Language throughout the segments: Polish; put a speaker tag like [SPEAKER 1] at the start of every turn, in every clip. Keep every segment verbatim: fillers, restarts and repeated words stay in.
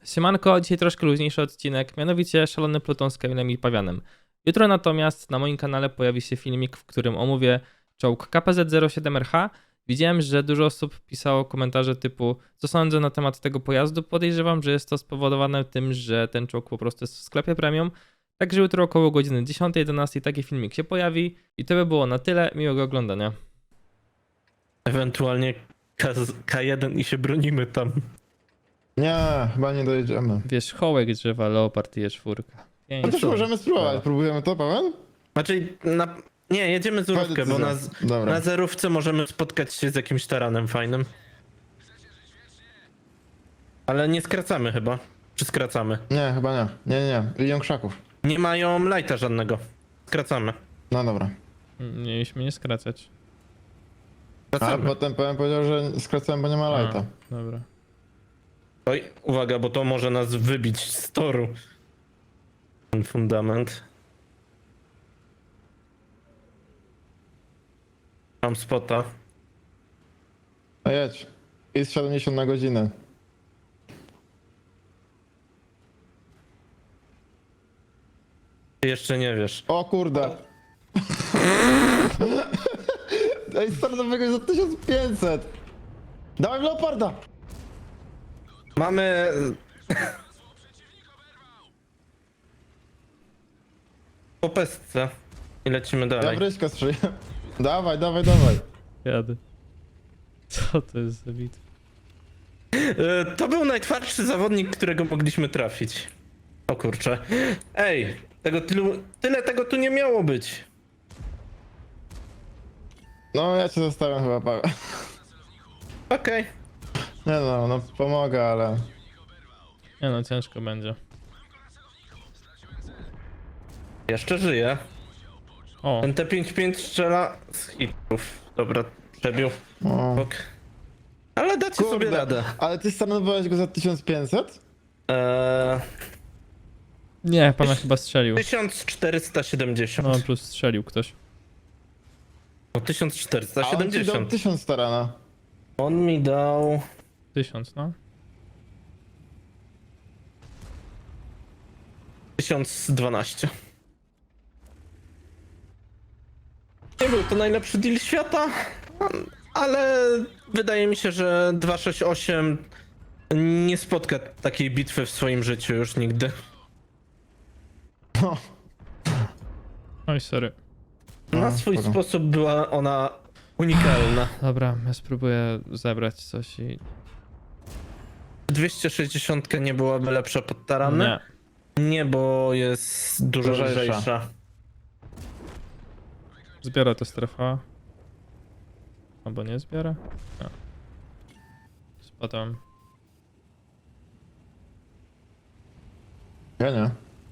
[SPEAKER 1] Siemanko, dzisiaj troszkę luźniejszy odcinek, mianowicie Szalony Pluton z Kamilem i Pawianem. Jutro natomiast na moim kanale pojawi się filmik, w którym omówię czołg K P Z zero siedem R H. Widziałem, że dużo osób pisało komentarze typu co sądzę na temat tego pojazdu. Podejrzewam, że jest to spowodowane tym, że ten czołg po prostu jest w sklepie premium. Także jutro około godziny dziesiątej jedenastej taki filmik się pojawi. I to by było na tyle, miłego oglądania.
[SPEAKER 2] Ewentualnie K jeden i się bronimy tam.
[SPEAKER 3] Nie, chyba nie dojedziemy.
[SPEAKER 1] Wierzchołek drzewa, Leopard i E cztery.
[SPEAKER 3] No też możemy spróbować. Próbujemy to, Paweł?
[SPEAKER 2] Znaczy, na... nie, jedziemy zerówkę, bo na,
[SPEAKER 3] Dobra.
[SPEAKER 2] na zerówce możemy spotkać się z jakimś taranem fajnym. Ale nie skracamy chyba. Czy skracamy?
[SPEAKER 3] Nie, chyba nie. Nie, nie, nie. Idą krzaków.
[SPEAKER 2] Nie mają lighta żadnego. Skracamy.
[SPEAKER 3] No dobra.
[SPEAKER 1] Mieliśmy nie skracać.
[SPEAKER 3] Ale
[SPEAKER 2] Skracamy.
[SPEAKER 3] potem powiem powiedział, że skracałem, bo nie ma lighta.
[SPEAKER 1] A, dobra.
[SPEAKER 2] Oj, uwaga, bo to może nas wybić z toru. Ten fundament. Mam spota.
[SPEAKER 3] A jedź. Jest siedemdziesiąt na godzinę.
[SPEAKER 2] Ty jeszcze nie wiesz.
[SPEAKER 3] O kurde. Ej, startowego za tysiąc pięćset. Dawaj Leoparda.
[SPEAKER 2] Mamy... Po pestce. I lecimy
[SPEAKER 3] Ja
[SPEAKER 2] dalej.
[SPEAKER 3] wryśka strzeliłem. Dawaj, dawaj, dawaj.
[SPEAKER 1] Jadę. Co to jest za bitwa?
[SPEAKER 2] E, To był najtwardszy zawodnik, którego mogliśmy trafić. O kurczę. Ej, tego tylu, tyle tego tu nie miało być.
[SPEAKER 3] No ja cię zostawiam chyba, Paweł.
[SPEAKER 2] Okej.
[SPEAKER 3] Nie no, no pomogę, ale...
[SPEAKER 1] Nie no, ciężko będzie.
[SPEAKER 2] Jeszcze żyję.
[SPEAKER 1] O,
[SPEAKER 2] Ten T pięćdziesiąt pięć strzela z hitów. Dobra, przebił.
[SPEAKER 3] O.
[SPEAKER 2] Ok. Ale dacie sobie radę.
[SPEAKER 3] Ale ty startowałeś go za tysiąc pięćset?
[SPEAKER 2] Eee,
[SPEAKER 1] nie, pana chyba strzelił.
[SPEAKER 2] tysiąc czterysta siedemdziesiąt.
[SPEAKER 1] No, plus strzelił ktoś.
[SPEAKER 2] No, tysiąc czterysta
[SPEAKER 3] A on ci dał
[SPEAKER 2] siedemdziesiąt.
[SPEAKER 3] tysiąc starana.
[SPEAKER 2] On mi dał...
[SPEAKER 1] Tysiąc, no.
[SPEAKER 2] tysiąc dwanaście. Nie był to najlepszy deal świata, ale wydaje mi się, że dwieście sześćdziesiąt osiem nie spotka takiej bitwy w swoim życiu już nigdy.
[SPEAKER 3] No.
[SPEAKER 1] Oj, sorry.
[SPEAKER 2] Na
[SPEAKER 3] A,
[SPEAKER 2] swój
[SPEAKER 3] spoko.
[SPEAKER 2] sposób była ona unikalna.
[SPEAKER 1] Dobra, ja spróbuję zebrać coś i...
[SPEAKER 2] dwieście sześćdziesiąt nie byłaby lepsza pod tarany?
[SPEAKER 1] Nie.
[SPEAKER 2] Nie, bo jest dużo
[SPEAKER 3] Lżejsza.
[SPEAKER 2] lżejsza.
[SPEAKER 1] Zbiera to strefa. Albo nie zbiera? No. Spadam.
[SPEAKER 3] Ja nie.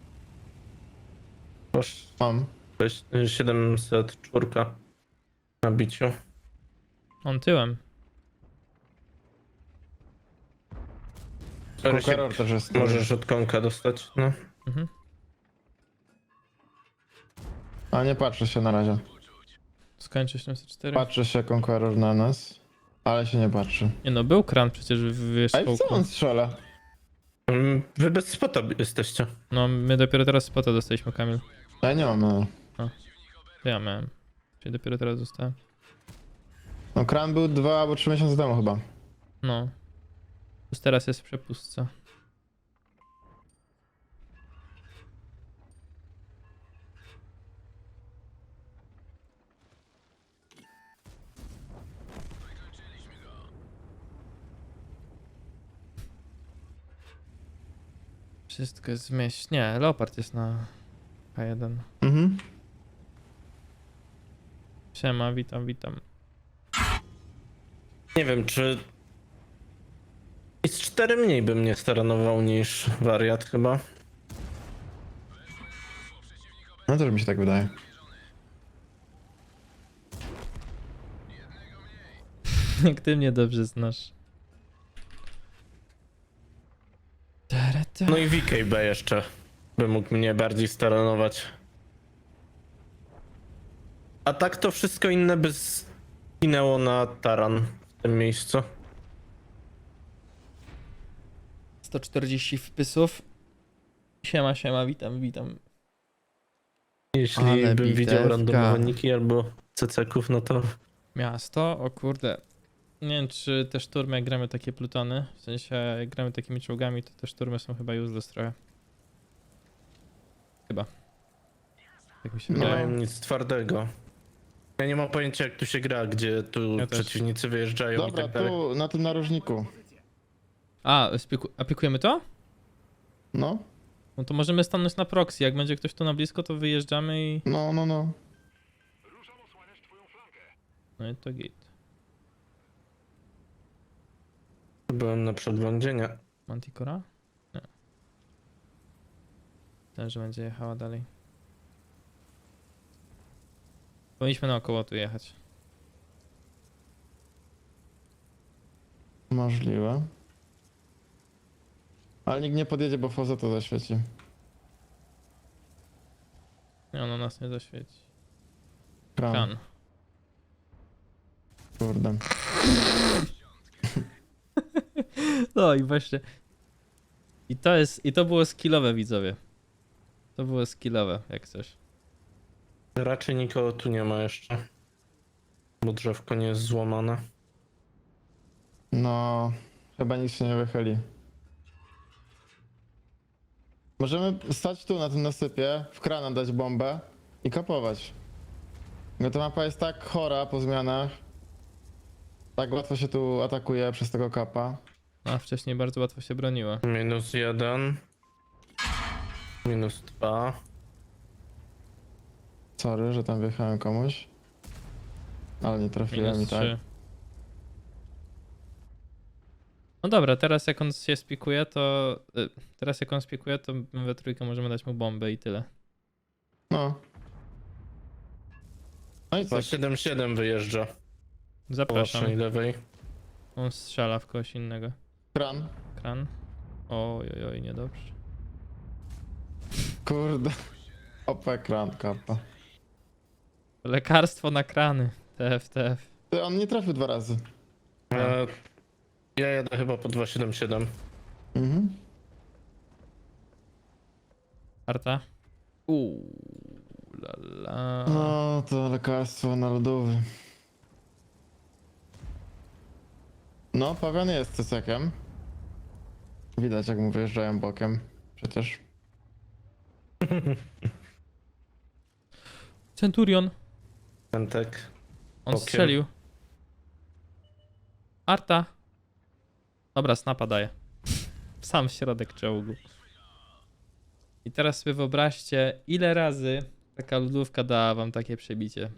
[SPEAKER 2] Proszę,
[SPEAKER 3] Mam.
[SPEAKER 2] siedemset cztery na biciu.
[SPEAKER 1] On tyłem.
[SPEAKER 2] Sorry, się-
[SPEAKER 3] Conqueror też jest.
[SPEAKER 2] Możesz od konka dostać, no.
[SPEAKER 1] Mhm.
[SPEAKER 3] A nie patrzę się na razie.
[SPEAKER 1] Skończy siedemset cztery.
[SPEAKER 3] Patrzy się Conqueror na nas, ale się nie patrzy.
[SPEAKER 1] Nie no, był kran przecież w
[SPEAKER 3] Ej, w co
[SPEAKER 1] wierzchołku.
[SPEAKER 3] on strzela?
[SPEAKER 2] Mm, Wy bez spota jesteście.
[SPEAKER 1] No, my dopiero teraz spota dostaliśmy, Kamil.
[SPEAKER 3] Ja nie mam, no.
[SPEAKER 1] To ja miałem. Czyli dopiero teraz dostałem.
[SPEAKER 3] No kran był dwa albo trzy miesiące temu chyba.
[SPEAKER 1] No. Plus teraz jest w przepustce. Wszystko jest zmieść. Nie, Leopard jest na K jeden.
[SPEAKER 3] Mhm.
[SPEAKER 1] Siema, witam, witam.
[SPEAKER 2] Nie wiem, czy... I z cztery mniej bym nie staranował niż wariat chyba.
[SPEAKER 3] No też mi się tak wydaje.
[SPEAKER 1] Jak ty mnie dobrze znasz.
[SPEAKER 2] No i V K B jeszcze by mógł mnie bardziej staranować. A tak to wszystko inne by zginęło na taran w tym miejscu.
[SPEAKER 1] sto czterdzieści wpisów. Siema, siema, witam, witam.
[SPEAKER 2] Jeśli
[SPEAKER 3] Ale
[SPEAKER 2] bym widział
[SPEAKER 3] bitewka.
[SPEAKER 2] randomowe niki albo ceceków, no to
[SPEAKER 1] Miasto, o kurde. Nie wiem, czy te szturmy, jak gramy takie plutony, w sensie jak gramy takimi czołgami, to te szturmy są chyba useless trochę. Chyba. Tak mi się
[SPEAKER 2] nie
[SPEAKER 3] No.
[SPEAKER 1] wydaje.
[SPEAKER 2] mają nic twardego. Ja nie mam pojęcia, jak tu się gra, gdzie tu
[SPEAKER 1] Ja też.
[SPEAKER 2] przeciwnicy wyjeżdżają i
[SPEAKER 3] Dobra,
[SPEAKER 2] tak dalej.
[SPEAKER 3] tu, na tym narożniku.
[SPEAKER 1] A, spiku- aplikujemy to?
[SPEAKER 3] No,
[SPEAKER 1] No to możemy stanąć na proxy, jak będzie ktoś tu na blisko, to wyjeżdżamy i...
[SPEAKER 3] no, no, no.
[SPEAKER 1] No i to git.
[SPEAKER 2] Byłem na przeglądzie, nie.
[SPEAKER 1] Manticora? Nie. Ten, że będzie jechała dalej. Powinniśmy naokoło tu jechać.
[SPEAKER 3] Możliwe. Ale nikt nie podjedzie, bo Foza to zaświeci.
[SPEAKER 1] Nie, ono nas nie zaświeci.
[SPEAKER 3] Kran.
[SPEAKER 1] Kan.
[SPEAKER 3] Kurde.
[SPEAKER 1] No i właśnie. I to jest, i to było skillowe, widzowie. To było skillowe, jak coś.
[SPEAKER 2] Raczej nikogo tu nie ma jeszcze. Bo drzewko nie jest złamane.
[SPEAKER 3] No, chyba nikt się nie wychyli. Możemy stać tu na tym nasypie, w krana dać bombę i kapować. Bo ta mapa jest tak chora po zmianach. Tak łatwo się tu atakuje przez tego kapa.
[SPEAKER 1] A wcześniej bardzo łatwo się broniło.
[SPEAKER 2] Minus jeden. Minus dwa.
[SPEAKER 3] Sorry, że tam wjechałem komuś. Ale nie trafiłem
[SPEAKER 1] Minus
[SPEAKER 3] i tak.
[SPEAKER 1] trzy. No dobra, teraz jak on się spikuje, to... y, Teraz jak on spikuje, to my we trójkę możemy dać mu bombę i tyle.
[SPEAKER 3] No. No i co?
[SPEAKER 2] Za siedem siedem wyjeżdża. Po
[SPEAKER 1] Zapraszam.
[SPEAKER 2] waszej lewej.
[SPEAKER 1] On strzela w kogoś innego.
[SPEAKER 3] Kran.
[SPEAKER 1] Kran. Oj, oj, oj, niedobrze.
[SPEAKER 3] Kurde. O P kran kapa.
[SPEAKER 1] Lekarstwo na krany. T F, T F.
[SPEAKER 3] Ty, on nie trafił dwa razy.
[SPEAKER 2] E, ja jadę chyba po dwa siedem siedem.
[SPEAKER 3] Mhm.
[SPEAKER 1] Arta. Uuu, la la.
[SPEAKER 3] No, to lekarstwo narodowe. No, Pawian jest cesekiem. Widać, jak mu wyjeżdżają bokiem. Przecież.
[SPEAKER 1] Centurion.
[SPEAKER 2] Pentek.
[SPEAKER 1] On
[SPEAKER 2] Okiem.
[SPEAKER 1] strzelił. Arta. Dobra, snapa daje. Sam w środek czołgu. I teraz sobie wyobraźcie, ile razy taka lodówka dała wam takie przebicie.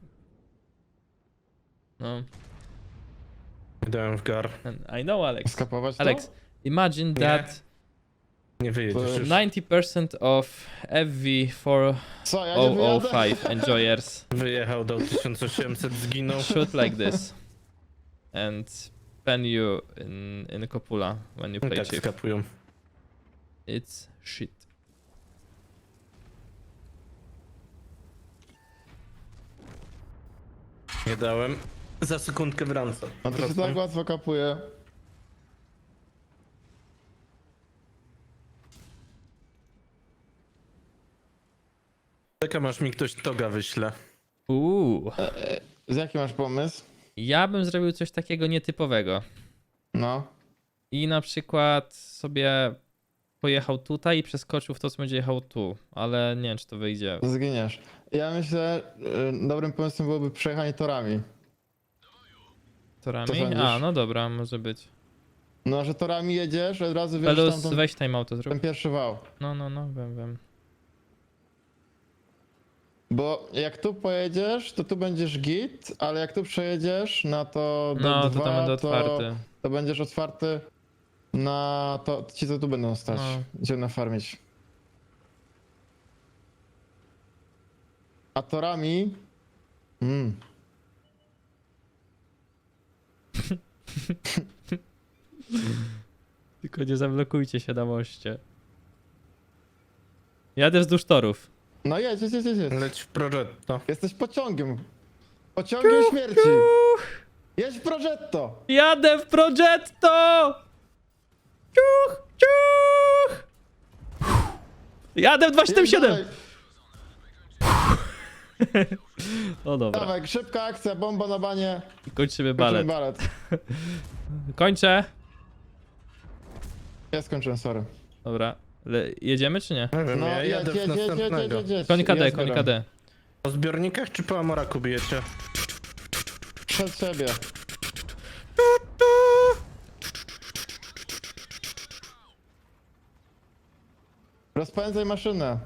[SPEAKER 1] No,
[SPEAKER 2] Dałem w gar.
[SPEAKER 1] I know, Alex.
[SPEAKER 3] Skapować to?
[SPEAKER 1] Alex, imagine
[SPEAKER 2] Nie.
[SPEAKER 1] that
[SPEAKER 2] Nie wyjedziesz
[SPEAKER 3] To
[SPEAKER 2] już.
[SPEAKER 1] ninety percent of F V four
[SPEAKER 3] Co, ja nie
[SPEAKER 1] zero zero
[SPEAKER 3] wyjadę?
[SPEAKER 1] five enjoyers
[SPEAKER 2] Wyjechał, dał tysiąc osiemset, zginął.
[SPEAKER 1] shoot like this and pen you in, in Copula when you play
[SPEAKER 2] Tak
[SPEAKER 1] chief.
[SPEAKER 2] skapują.
[SPEAKER 1] It's shit.
[SPEAKER 2] Nie dałem. Za sekundkę wracam.
[SPEAKER 3] No to się tak łatwo kapuje.
[SPEAKER 2] Czekam aż mi ktoś toga wyśle.
[SPEAKER 1] Uuu.
[SPEAKER 3] Z jaki masz pomysł?
[SPEAKER 1] Ja bym zrobił coś takiego nietypowego.
[SPEAKER 3] No.
[SPEAKER 1] I na przykład sobie pojechał tutaj i przeskoczył w to, co będzie jechał tu. Ale nie wiem, czy to wyjdzie.
[SPEAKER 3] Zginiesz. Ja myślę, y, dobrym pomysłem byłoby przejechanie torami. Co
[SPEAKER 1] Torami?
[SPEAKER 3] sądzisz?
[SPEAKER 1] A, no dobra, może być.
[SPEAKER 3] No, że torami jedziesz, od razu wiesz
[SPEAKER 1] Pelus,
[SPEAKER 3] tam
[SPEAKER 1] weź time auto zrób.
[SPEAKER 3] ten pierwszy wał.
[SPEAKER 1] No, no, no, wiem, wiem.
[SPEAKER 3] Bo jak tu pojedziesz, to tu będziesz git, ale jak tu przejedziesz na to D
[SPEAKER 1] No,
[SPEAKER 3] dwa,
[SPEAKER 1] to tam będę
[SPEAKER 3] to,
[SPEAKER 1] otwarty.
[SPEAKER 3] to będziesz otwarty na to, ci co tu będą stać,
[SPEAKER 1] No.
[SPEAKER 3] gdzie nafarmić. A torami... Mm.
[SPEAKER 1] Tylko nie zablokujcie się na moście. Jadę wzdłuż torów.
[SPEAKER 3] No jedź, jedź, jedź, jedź.
[SPEAKER 2] Leć w Progetto.
[SPEAKER 3] Jesteś pociągiem. Pociągiem śmierci. Jedź w Progetto.
[SPEAKER 1] Jadę w Progetto! Ciuch, ciuch! Jadę w dwa siedem siedem!
[SPEAKER 3] Dawaj,
[SPEAKER 1] No dobra,
[SPEAKER 3] dawaj, szybka akcja, bomba na banie.
[SPEAKER 1] kończymy
[SPEAKER 3] Kończymy
[SPEAKER 1] balet.
[SPEAKER 3] balet.
[SPEAKER 1] Kończę.
[SPEAKER 3] Ja skończyłem, sorry.
[SPEAKER 1] Dobra, Le jedziemy czy nie?
[SPEAKER 2] Nie wiem,
[SPEAKER 3] No,
[SPEAKER 2] ja
[SPEAKER 3] jedź,
[SPEAKER 2] jadę
[SPEAKER 3] jedź,
[SPEAKER 2] w
[SPEAKER 3] jedź, jedź,
[SPEAKER 2] następnego.
[SPEAKER 3] jedź, jedź.
[SPEAKER 1] Koń K D,
[SPEAKER 3] Ja
[SPEAKER 1] koń
[SPEAKER 3] zbieram.
[SPEAKER 1] K D.
[SPEAKER 2] Po zbiornikach czy po Amoraku bijecie?
[SPEAKER 3] Przed siebie. Rozpędzaj maszynę.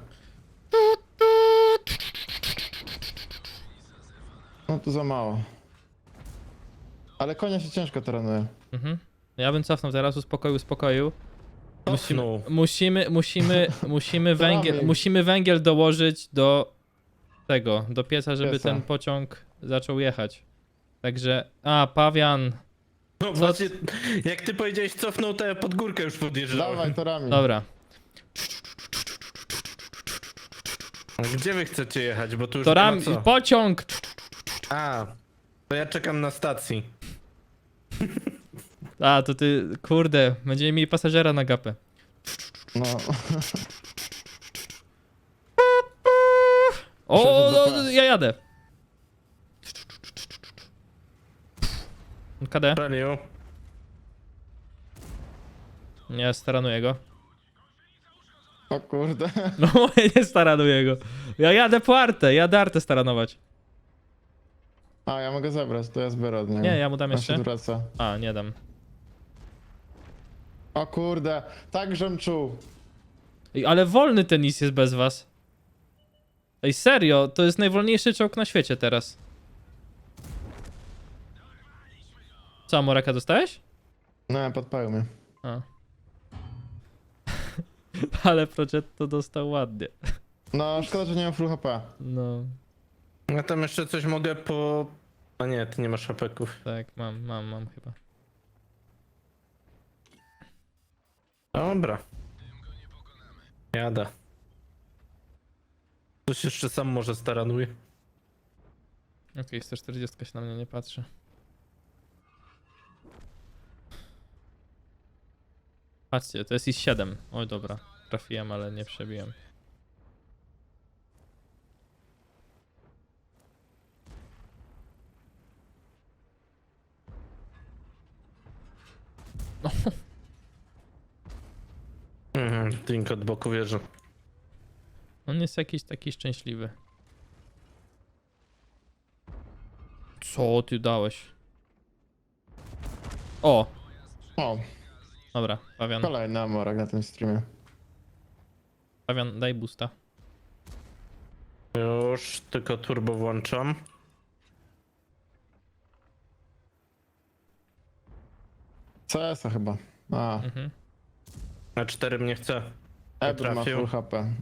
[SPEAKER 3] No tu za mało. Ale konia się ciężko trenuje.
[SPEAKER 1] Mhm. Ja bym cofnął teraz, uspokoił, uspokoił. Musimy,
[SPEAKER 2] Cofnął.
[SPEAKER 1] musimy, musimy, musimy,
[SPEAKER 3] To
[SPEAKER 1] węgiel,
[SPEAKER 3] robię.
[SPEAKER 1] musimy węgiel dołożyć do tego, do pieca, żeby
[SPEAKER 3] Pieca.
[SPEAKER 1] ten pociąg zaczął jechać. Także, a, pawian.
[SPEAKER 2] No właśnie, jak ty powiedziałeś cofnął, to ja pod górkę już podjeżdżałem.
[SPEAKER 3] Dawaj torami.
[SPEAKER 1] Dobra,
[SPEAKER 2] Gdzie wy chcecie jechać, bo tu już
[SPEAKER 1] to
[SPEAKER 2] nie
[SPEAKER 1] ram,
[SPEAKER 2] ma co.
[SPEAKER 1] pociąg!
[SPEAKER 2] A, to ja czekam na stacji.
[SPEAKER 1] A, to ty, kurde, będziemy mieli pasażera na gapę.
[SPEAKER 3] No.
[SPEAKER 1] O,
[SPEAKER 3] Przeszedł do
[SPEAKER 1] no,
[SPEAKER 3] P.
[SPEAKER 1] ja jadę. K D.
[SPEAKER 2] Praniu.
[SPEAKER 1] Nie, staranuję go.
[SPEAKER 3] O kurde.
[SPEAKER 1] No, nie staranuję go. Ja jadę po Artę, jadę Artę staranować.
[SPEAKER 3] A, ja mogę zabrać, to ja zbiorę od niego.
[SPEAKER 1] Nie, ja mu dam
[SPEAKER 3] On
[SPEAKER 1] jeszcze.
[SPEAKER 3] się wraca.
[SPEAKER 1] A, nie dam.
[SPEAKER 3] O kurde, tak żem czuł.
[SPEAKER 1] Ej, ale wolny tenis jest bez was. Ej, serio, to jest najwolniejszy czołg na świecie teraz. Co, Moraka dostałeś?
[SPEAKER 3] No, podpalił mnie.
[SPEAKER 1] A. Ale Progetto dostał ładnie.
[SPEAKER 3] No, szkoda, że nie mam full H P.
[SPEAKER 1] No,
[SPEAKER 2] Ja tam jeszcze coś mogę po... A nie, ty nie masz hapeków.
[SPEAKER 1] tak, mam, mam, mam chyba.
[SPEAKER 2] Dobra. Jada. Ktoś jeszcze sam może staranuje.
[SPEAKER 1] Okej, sto czterdzieści się na mnie nie patrzy. Patrzcie, to jest I siedem. Oj, dobra. Trafiłem, ale nie przebiłem.
[SPEAKER 2] Mhm, Tink od boku wieży.
[SPEAKER 1] On jest jakiś taki szczęśliwy. Co ty dałeś? O!
[SPEAKER 3] O,
[SPEAKER 1] Dobra, Pawian.
[SPEAKER 3] kolejny amorak na tym streamie.
[SPEAKER 1] Pawian, daj boosta.
[SPEAKER 2] Już, tylko turbo włączam.
[SPEAKER 3] C S a chyba. A,
[SPEAKER 1] Mhm.
[SPEAKER 2] Na cztery mnie chce.
[SPEAKER 3] Ebr ma
[SPEAKER 2] trafił.
[SPEAKER 3] full H P.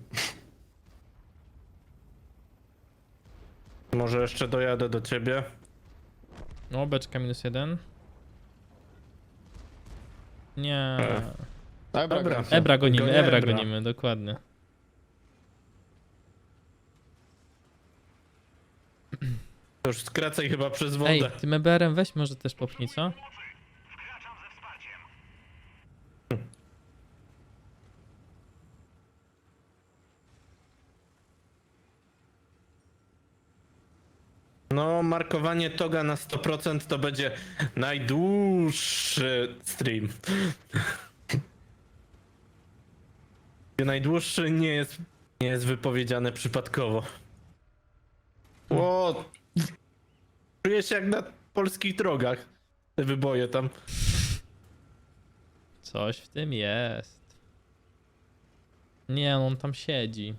[SPEAKER 2] Może jeszcze dojadę do ciebie.
[SPEAKER 1] No, beczka minus jeden. Nie.
[SPEAKER 2] E.
[SPEAKER 3] Ebra,
[SPEAKER 2] Dobra.
[SPEAKER 3] kończy.
[SPEAKER 1] Ebra gonimy,
[SPEAKER 2] Gonię
[SPEAKER 1] Ebra
[SPEAKER 2] Ebra.
[SPEAKER 1] gonimy, dokładnie.
[SPEAKER 2] To już skracaj chyba przez wodę.
[SPEAKER 1] Ej, tym E B R-em weź może też popchnij, co?
[SPEAKER 2] No, markowanie toga na sto procent to będzie najdłuższy stream. Najdłuższy nie jest, nie jest wypowiedziane przypadkowo. O, czuję się jak na polskich drogach. Te wyboje tam.
[SPEAKER 1] Coś w tym jest. Nie, on tam siedzi.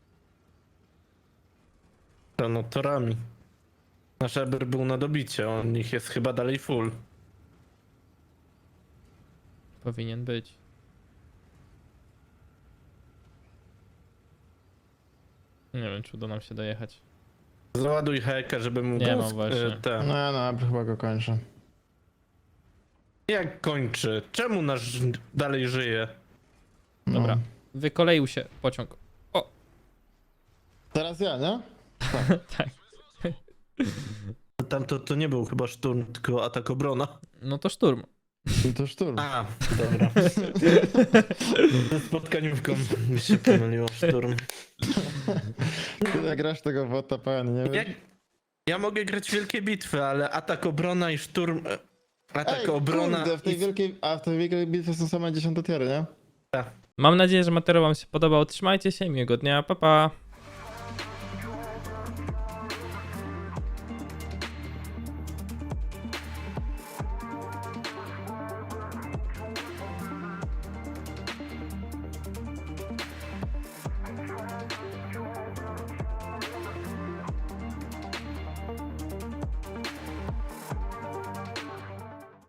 [SPEAKER 2] To no torami. Nasz Eber był na dobicie, on ich jest chyba dalej full.
[SPEAKER 1] Powinien być. Nie wiem, czy uda nam się dojechać.
[SPEAKER 2] Załaduj heka, żeby mu
[SPEAKER 1] Nie
[SPEAKER 2] go
[SPEAKER 1] ma
[SPEAKER 2] sk-
[SPEAKER 1] właśnie.
[SPEAKER 2] e, te.
[SPEAKER 3] No, no, Ebr chyba go kończy.
[SPEAKER 2] Jak kończy? Czemu nasz dalej żyje?
[SPEAKER 3] No.
[SPEAKER 1] Dobra. Wykoleił się pociąg. O!
[SPEAKER 3] Teraz ja, nie?
[SPEAKER 1] Tak.
[SPEAKER 2] Tam to, to nie był chyba szturm, tylko atak obrona.
[SPEAKER 1] No to szturm.
[SPEAKER 3] To szturm.
[SPEAKER 2] A, dobra. Ze spotkaniówką mi się pomyliło, szturm.
[SPEAKER 3] Ty jak grasz tego wota, pan, nie
[SPEAKER 2] Ja,
[SPEAKER 3] wiem.
[SPEAKER 2] ja mogę grać wielkie bitwy, ale atak, obrona i szturm... e, Atak,
[SPEAKER 3] Ej,
[SPEAKER 2] obrona
[SPEAKER 3] kurde, w tej
[SPEAKER 2] i...
[SPEAKER 3] wielkiej, a w tej wielkiej bitwie są same dziesiąte tiery, nie?
[SPEAKER 1] Mam nadzieję, że materiał wam się podobał. Trzymajcie się, miłego dnia, pa pa!